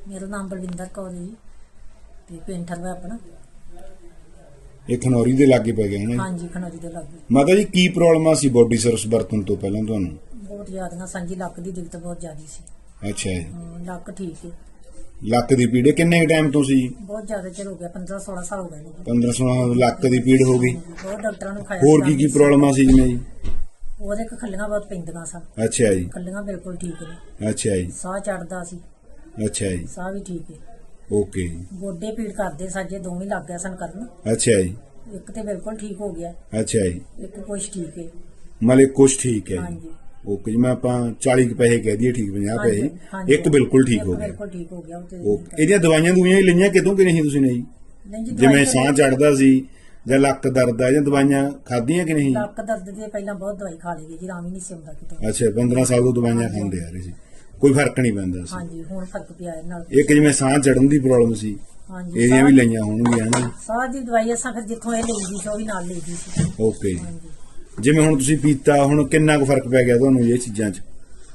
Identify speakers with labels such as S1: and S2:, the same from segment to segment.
S1: मेरा नाम बलविंदर कौर है जी ते पिंड ठरवा अपना।
S2: ਇਹ ਖਨੌਰੀ ਦੇ ਲਾਗੇ ਪੈ ਗਿਆ ਹੈ
S1: हाँ
S2: ਨਾ
S1: जी खनौरी दे लागे।
S2: ਮਾਤਾ ਜੀ ਕੀ ਪ੍ਰੋਬਲਮ ਆ ਸੀ ਬੋਡੀ ਸਰਵਿਸ ਵਰਤਣ ਤੋਂ ਪਹਿਲਾਂ ਤੁਹਾਨੂੰ?
S1: बहुत ज्यादा सांझी लक की दिक्कत बहुत ज्यादा सी।
S2: ਅੱਛਾ ਜੀ
S1: लक ठीक है।
S2: ਲੱਕ ਦੀ ਪੀੜ ਕਿੰਨੇ ਟਾਈਮ ਤੋਂ ਸੀ?
S1: बहुत ज्यादा चल हो गया 15-16 साल हो गए जी।
S2: 15-16 ਲੱਕ ਦੀ ਪੀੜ ਹੋ ਗਈ।
S1: बहुत डॉक्टरों ने खाया।
S2: ਹੋਰ ਕੀ ਪ੍ਰੋਬਲਮ ਆ ਸੀ ਜਿਵੇਂ ਜੀ?
S1: ਉਹਦੇ ਕ ਖੱਲੀਆਂ ਬਹੁਤ ਪੈਂਦੀਆਂ ਸਨ।
S2: ਅੱਛਾ ਜੀ
S1: ਖੱਲੀਆਂ ਬਿਲਕੁਲ ਠੀਕ ਨੇ।
S2: ਅੱਛਾ ਜੀ
S1: ਸਾਹ ਚੜਦਾ ਸੀ।
S2: ਅੱਛਾ ਜੀ
S1: ਸਾਹ ਵੀ ਠੀਕ ਹੈ।
S2: ਓਕੇ
S1: ਗੋਡੇ ਪੀੜ ਕਰਦੇ ਸਾਜੇ ਦੋਵੇਂ ਲੱਗ ਗਿਆ ਸਨ ਕਰਨ।
S2: ਅੱਛਾ ਜੀ
S1: ਇੱਕ ਤੇ ਬਿਲਕੁਲ ਠੀਕ ਹੋ ਗਿਆ।
S2: ਅੱਛਾ ਜੀ
S1: ਇੱਕ ਕੁਛ ਠੀਕ ਹੈ।
S2: ਮਤਲਬ ਕੁਛ ਠੀਕ ਹੈ
S1: हाँ
S2: ਜੀ।
S1: जी
S2: ਓਕੇ ਜੀ ਮੈਂ ਆਪਾਂ 40 ਪੈਸੇ ਕਹਿ ਦਈਏ ਠੀਕ 50
S1: हाँ जी,
S2: ਪੈਸੇ
S1: हाँ जी,
S2: ਇੱਕ ਬਿਲਕੁਲ ਠੀਕ ਹੋ
S1: ਇੱਕ
S2: ਗਿਆ।
S1: ਬਿਲਕੁਲ ਠੀਕ ਹੋ ਗਿਆ ਉਹ ਤੇ।
S2: ਓਕੇ ਇਹਦੀਆਂ ਦਵਾਈਆਂ ਦੁਈਆਂ ਹੀ ਲਈਆਂ ਕਿਤੋਂ ਕਿ ਨਹੀਂ ਤੁਸੀਂ ਨੇ ਜੀ?
S1: ਨਹੀਂ ਜੀ
S2: ਜਿਵੇਂ
S1: ਦਵਾਈ
S2: ਸਾਹ ਚੜਦਾ ਸੀ ਜਾਂ ਲੱਕ ਦਰਦ ਆ ਜਾਂ ਦਵਾਈਆਂ ਖਾਧੀਆਂ ਕਿ ਨਹੀਂ?
S1: ਲੱਕ ਦਰਦ ਦੀ ਪਹਿਲਾਂ ਬਹੁਤ ਦਵਾਈ ਖਾ ਲਈ ਜੀ ਆਰਾਮ ਹੀ ਨਹੀਂ ਸੀ ਆਉਂਦਾ ਕਿਤੇ।
S2: ਅੱਛਾ 15 ਸਾਲ ਤੋਂ ਦਵਾਈਆਂ ਖਾਂਦੇ ਆ ਰਹੇ ਸੀ ਕੋਈ ਫਰਕ ਨਹੀਂ ਪੈਂਦਾ ਸੀ?
S1: ਹਾਂਜੀ ਹੁਣ ਫਰਕ ਪਿਆ ਇਹ ਨਾਲ।
S2: ਇੱਕ ਜਿਵੇਂ ਸਾਹ ਚੜਨ ਦੀ ਪ੍ਰੋਬਲਮ ਸੀ
S1: ਹਾਂਜੀ
S2: ਇਹਦੀਆਂ ਵੀ ਲਈਆਂ ਹੋਣਗੀਆਂ ਨਾ?
S1: ਸਾਹ ਦੀ ਦਵਾਈ ਅਸਾਂ ਫਿਰ ਜਿੱਥੋਂ ਇਹ ਲਈਦੀ ਸੀ ਉਹ ਵੀ ਨਾਲ ਲਈਦੀ ਸੀ।
S2: ਓਕੇ ਜੀ
S1: ਹਾਂਜੀ
S2: ਜਿਵੇਂ ਹੁਣ ਤੁਸੀਂ ਪੀਤਾ ਹੁਣ ਕਿੰਨਾ ਕੁ ਫਰਕ ਪੈ ਗਿਆ ਤੁਹਾਨੂੰ ਇਹ ਚੀਜ਼ਾਂ 'ਚ?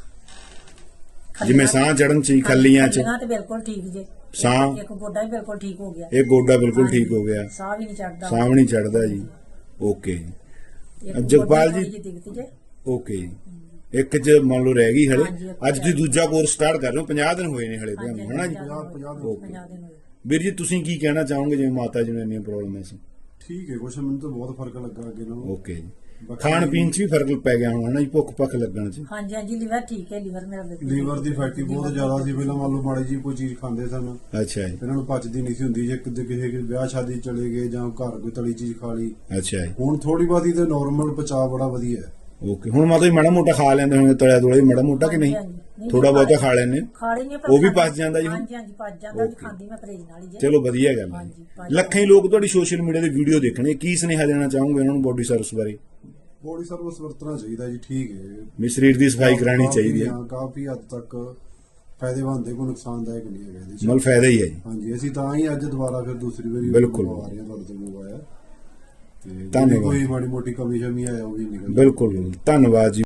S2: ਜਿਵੇਂ ਸਾਹ ਚੜਨ 'ਚ ਖੱਲੀਆਂ 'ਚ
S1: ਖੱਲੀਆਂ ਤੇ ਬਿਲਕੁਲ ਠੀਕ ਜੇ।
S2: ਸਾਹ
S1: ਇੱਕ ਗੋਡਾ ਵੀ ਬਿਲਕੁਲ ਠੀਕ ਹੋ ਗਿਆ।
S2: ਇਹ ਗੋਡਾ ਬਿਲਕੁਲ ਠੀਕ ਹੋ ਗਿਆ
S1: ਸਾਹ ਵੀ ਨਹੀਂ ਚੜਦਾ।
S2: ਸਾਹ ਵੀ ਨਹੀਂ ਚੜਦਾ ਜੀ। ਓਕੇ
S1: ਇੱਕ
S2: ਜਗਪਾਲ
S1: ਗੋਡੇ
S2: ਜੀ
S1: ਦੀ ਦਿੱਕਤ ਜੇ।
S2: ਓਕੇ ਜੀ ਇੱਕ 'ਚ ਮੰਨ ਲਓ ਰਹਿ ਗਈ ਹਲੇ
S1: ਹਾਂਜੀ, ਇੱਕ
S2: ਅੱਜ ਤੁਸੀਂ ਦੂਜਾ ਕੋਰਸ ਸਟਾਰਟ ਕਰ ਰਹੇ ਹੋ 50 ਦਿਨ ਹੋਏ ਨੇ ਹਲੇ
S1: ਹਾਂਜੀ,
S2: ਤੁਹਾਨੂੰ ਹਨਾ ਜੀ?
S1: 50 ਦਿਨ ਹੋਏ।
S2: ਵੀਰ ਜੀ ਤੁਸੀਂ ਕੀ ਕਹਿਣਾ ਚਾਹੋਗੇ ਜਿਵੇਂ ਮਾਤਾ ਜੀ ਨੂੰ ਇੰਨੀਆਂ ਪ੍ਰੋਬਲਮ ਸੀ?
S3: ਠੀਕ ਹੈ ਕੁਛ ਮੈਨੂੰ ਤਾਂ ਬਹੁਤ ਫਰਕ ਲੱਗਾ ਅੱਗੇ ਨਾਲੋਂ।
S2: ਓਕੇ ਜੀ ਖਾਣ ਪੀਣ 'ਚ ਵੀ ਫਰਕ ਪੈ ਗਿਆ ਹੋਣਾ ਜੀ ਭੁੱਖ ਭੱਖ ਲੱਗਣ 'ਚ?
S1: ਹਾਂਜੀ ਹਾਂਜੀ ਲੀਵਰ ਠੀਕ ਹੈ। ਲੀਵਰ ਮੇਰਾ ਬਿਲਕੁਲ
S3: ਲੀਵਰ ਦੀ ਫੈਟੀ ਬਹੁਤ ਜ਼ਿਆਦਾ ਸੀ ਪਹਿਲਾਂ ਮੰਨ ਲਓ ਮਾੜੀ ਜੀ ਕੋਈ ਚੀਜ਼ ਖਾਂਦੇ ਸਨ
S2: ਅੱਛਾ ਜੀ
S3: ਇਹਨਾਂ ਨੂੰ ਪਚਦੀ ਨਹੀਂ ਸੀ ਹੁੰਦੀ ਜੇ ਕਿਤੇ ਕਿਸੇ ਵਿਆਹ ਸ਼ਾਦੀ 'ਚ ਚਲੇ ਗਏ ਜਾਂ ਘਰ ਕੋਈ ਤਲੀ ਚੀਜ਼ ਖਾ ਲਈ।
S2: ਅੱਛਾ ਜੀ
S3: ਹੁਣ ਥੋੜੀ ਬਾਤੀ ਤੇ ਨਾਰਮਲ ਪਚਾ ਬੜਾ ਵਧੀਆ ਹੈ।
S2: ਓਕੇ ਹੁਣ ਮਾਤਾ ਜੀ ਮਾੜਾ ਮੋਟਾ ਖਾ ਲੈਂਦੇ ਹੋਣਗੇ ਤਲਿਆ ਤੋਲੇ ਮਾੜਾ ਮੋਟਾ ਕਿ ਨਹੀਂ?
S1: ਹਾਂਜੀ, ਨਹੀਂ,
S2: ਥੋੜਾ ਬਹੁਤਾ ਖਾ ਲੈਂਦੇ ਹੋ?
S1: ਖਾ ਲੈਣੀ
S2: ਉਹ ਵੀ ਪਚ ਜਾਂਦਾ ਜੀ ਹੁਣ?
S1: ਹਾਂਜੀ ਹਾਂਜੀ ਪਚ ਜਾਂਦਾ ਜੀ ਖਾਂਦੀ ਮੈਂ ਪਰਹੇਜ਼ ਨਾਲ ਹੀ ਜੇ।
S2: ਚਲੋ ਵਧੀਆ ਗੱਲ ਹੈ
S1: ਹਾਂਜੀ, ਪਚ
S2: ਲੱਖਾਂ ਹੀ ਲੋਕ ਤੁਹਾਡੀ ਸੋਸ਼ਲ ਮੀਡੀਆ ਤੇ ਵੀਡੀਓ ਦੇਖਣੇ ਕੀ ਸੁਨੇਹਾ ਦੇਣਾ ਚਾਹੋਗੇ ਉਹਨਾਂ ਨੂੰ ਬੋਡੀ ਸਰਵਿਸ ਬਾਰੇ?
S3: ਬੋਡੀ ਸਰਵਿਸ ਵਰਤਣਾ ਚਾਹੀਦਾ ਜੀ ਠੀਕ ਹੈ।
S2: ਵੀ ਸਰੀਰ ਦੀ ਸਫਾਈ ਕਰਾਣੀ ਚਾਹੀਦੀ ਹੈ
S3: ਹਾਂ, ਕਾਫੀ ਹੱਦ ਤੱਕ ਫਾਇਦੇਮੰਦ ਹੈ ਕੋਈ ਨੁਕਸਾਨਦਾਇਕ ਨਹੀਂ ਹੈਗਾ ਇਹਦੇ 'ਚ।
S2: ਮਤਲਬ ਫਾਇਦਾ ਹੀ ਹੈ ਜੀ।
S3: ਹਾਂਜੀ ਅਸੀਂ ਤਾਂ ਹੀ ਅੱਜ ਦੁਬਾਰਾ ਫਿਰ ਦੂਸਰੀ ਵਾਰੀ
S2: ਬਿਲਕੁਲ।
S3: ਮੰਗਵਾ ਰਹੇ ਹਾਂ ਤੁਹਾਡੇ ਤੋਂ ਮੰਗਵਾਇਆ ਤੇ
S2: ਧੰਨਵਾਦ।
S3: ਕੋਈ ਮਾੜੀ ਮੋਟੀ ਕਮੀ ਸ਼ਮੀ ਆਇਆ ਉਹ ਵੀ ਨਿਕਲ
S2: ਬਿਲਕੁਲ ਧੰਨਵਾਦ ਜੀ।